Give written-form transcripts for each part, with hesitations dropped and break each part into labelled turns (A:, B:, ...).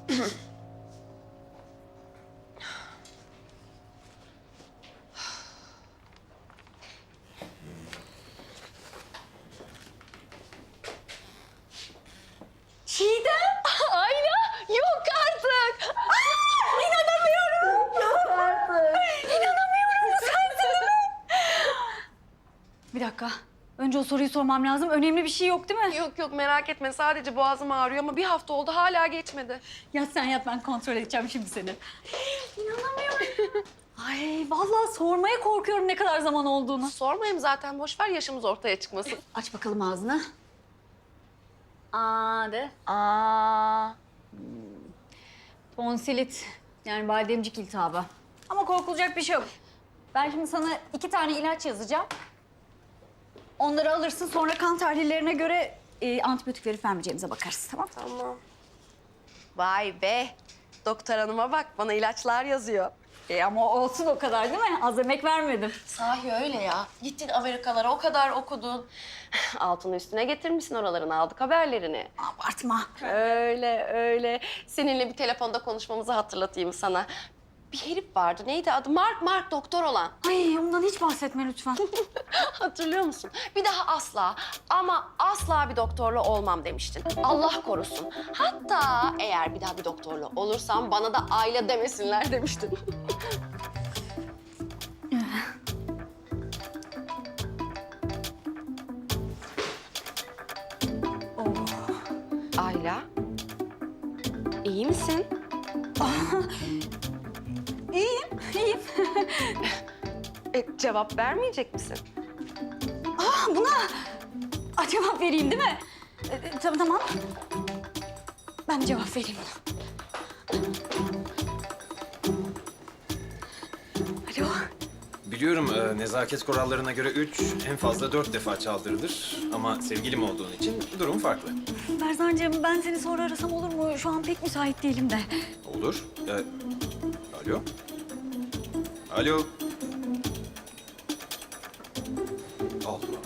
A: Çiğdem! Ayla! Yok artık! Aa, inanamıyorum! Yok artık! İnanamıyorum! Sensin mi? Bir dakika. Önce o soruyu sormam lazım. Önemli bir şey yok değil mi?
B: Yok yok merak etme. Sadece boğazım ağrıyor ama bir hafta oldu hala geçmedi.
A: Yat sen yat, ben kontrol edeceğim şimdi seni. İnanamıyorum. Ay vallahi sormaya korkuyorum ne kadar zaman olduğunu.
B: Sormayayım zaten. Boş ver yaşımız ortaya çıkmasın.
A: Aç bakalım ağzını. Aa de. Aa. Tonsilit. Yani bademcik iltihabı. Ama korkulacak bir şey yok. Ben şimdi sana 2 tane ilaç yazacağım. Onları alırsın, sonra kan tahlillerine göre antibiyotik verip vermeyeceğimize bakarız, tamam?
B: Tamam. Vay be. Doktor hanıma bak bana ilaçlar yazıyor.
A: Ama olsun o kadar değil mi? Az emek vermedim.
B: Sahi öyle ya. Gittin Amerikalara o kadar okudun. Altını üstüne getirmişsin oraların aldık haberlerini.
A: Abartma.
B: Öyle öyle. Seninle bir telefonda konuşmamızı hatırlatayım sana. Bir herif vardı. Neydi adı? Mark doktor olan.
A: Ay ondan hiç bahsetme lütfen.
B: Hatırlıyor musun? Bir daha asla ama asla bir doktorla olmam demiştin. Allah korusun. Hatta eğer bir daha bir doktorla olursam bana da Ayla demesinler demiştin. Ayla, iyi misin?
A: İyiyim.
B: Cevap vermeyecek misin?
A: Cevap vereyim değil mi? Tamam. Ben cevap vereyim buna. Alo.
C: Biliyorum nezaket kurallarına göre 3, en fazla 4 defa çaldırılır. Ama sevgilim olduğun için durum farklı.
A: Berzancığım, ben seni sonra arasam olur mu? Şu an pek müsait değilim de.
C: Olur. Alo? Alo? Allah.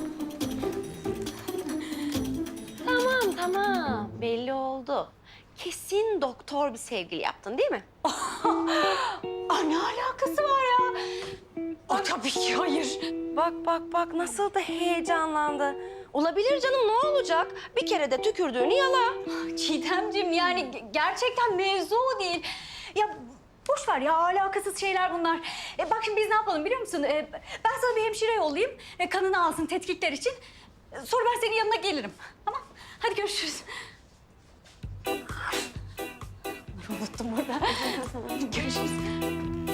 B: Tamam. Belli oldu. Kesin doktor bir sevgili yaptın değil mi?
A: Ne alakası var ya? Tabii ki hayır.
B: Bak nasıl da heyecanlandı. Olabilir canım ne olacak? Bir kere de tükürdüğünü yala.
A: Çiğdemciğim, yani gerçekten mevzu o değil. Ya boş ver ya, alakasız şeyler bunlar. Bak şimdi biz ne yapalım biliyor musun? Ben sana bir hemşire yollayayım. Kanını alsın tetkikler için. Sonra ben senin yanına gelirim. Tamam? Hadi görüşürüz. Unuttum burada. Görüşürüz.